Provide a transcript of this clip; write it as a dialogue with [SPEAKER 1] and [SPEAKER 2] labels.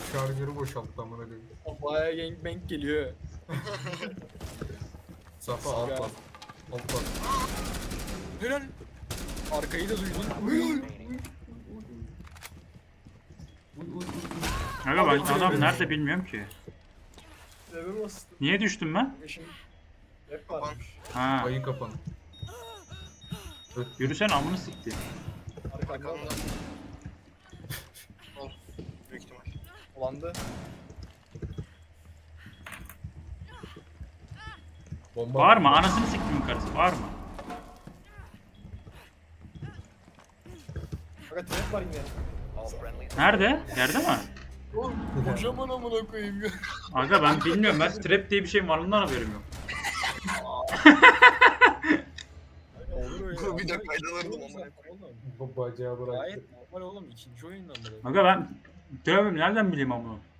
[SPEAKER 1] Şarjörü boşalttı amına koyayım.
[SPEAKER 2] Bayağı gangbang geliyor.
[SPEAKER 1] Safa alt bas. Alt bas.
[SPEAKER 2] Helal. Arkayı da duydun.
[SPEAKER 3] Aga ben adam nerede bilmiyorum ki.
[SPEAKER 2] Eve bastım.
[SPEAKER 3] Niye düştüm ben?
[SPEAKER 2] Eşim hep varmış.
[SPEAKER 3] Ha.
[SPEAKER 1] Ayı kapan.
[SPEAKER 3] Yürüsen amını sikti.
[SPEAKER 2] Arkamda
[SPEAKER 4] Arkamda. Ol. Büyük ihtimal.
[SPEAKER 2] Ulandı.
[SPEAKER 1] Bomba.
[SPEAKER 3] Var mı? Anasını siktim karısı. Var mı?
[SPEAKER 2] Fakat trap var yine.
[SPEAKER 3] Nerede? Yerde mi?
[SPEAKER 2] Oğlum kocaman amına koyayım ya.
[SPEAKER 3] Aga ben bilmiyorum. Ben trap diye bir şeyin varlığından haberim yok.
[SPEAKER 2] Olur öyle.
[SPEAKER 4] Bir de faydalanırdım amına
[SPEAKER 2] Oğlum.
[SPEAKER 1] Bu bacağı bıraktı.
[SPEAKER 2] Gayet normal oğlum. İkinci oyundan bırak.
[SPEAKER 3] Aga ben dövmem nereden bileyim amına?